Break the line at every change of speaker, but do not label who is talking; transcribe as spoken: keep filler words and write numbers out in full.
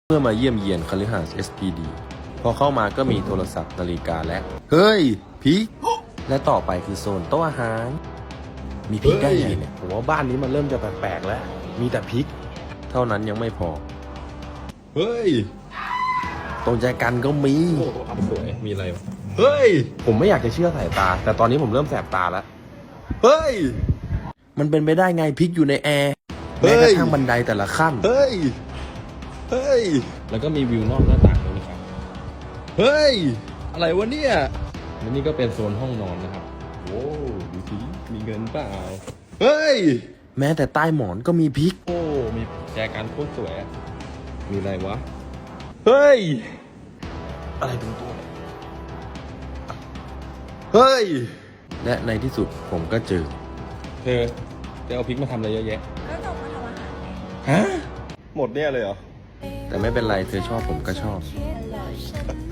เมื่อมาเยี่ยมเยียนคฤหาสน์ เอส พี ดี พอเข้ามาก็มีโทรศัพท์นาฬิกาและเฮ้ยพริกและต่อไปคือโซนโต๊ะอาหารมีพริกได้ไงเนี่ย
ผมว่าบ้านนี้มันเริ่มจะแปลกๆแล้วมีแต่พริก
เท่านั้นยังไม่พอ
เฮ้ย
ตรงใจกันก็มี
โอ้โหอับสวยมีอะไรวะเฮ้ยผมไม่อยากจะเชื่อสายตาแต่ตอนนี้ผมเริ่มแสบตาแล้วเฮ้ย
มันเป็นไปได้ไงพริกอยู่ในแอร์
เฮ้
แม้
ย
กระทั่งบันไดแต่ละขั้น
เฮ้ยเฮ้ยแล้วก็มีวิวนอกหน้าต่างด้วยนะครับเฮ้ยอะไรวะเนี่ยและนี่ก็เป็นโซนห้องนอนนะครับโอ้ดูสิมีเงินเปล่าเฮ้ย
แม้แต่ใต้หมอนก็มีพริก
โอ้มีแจกันโคตรสวยอะมีอะไรวะเฮ้ยอะไรเป็นตัวเนี่ยเฮ้ย
และในที่สุดผมก็เจอ
เธอจะเอาพริกมาทำอะไรเยอะแยะ
ก็จบมาทำอาหารไง
ฮะหมดเนี่ยเลยเหรอ
แต่ไม่เป็นไรเธอชอบผมก็ชอบ
อร่อย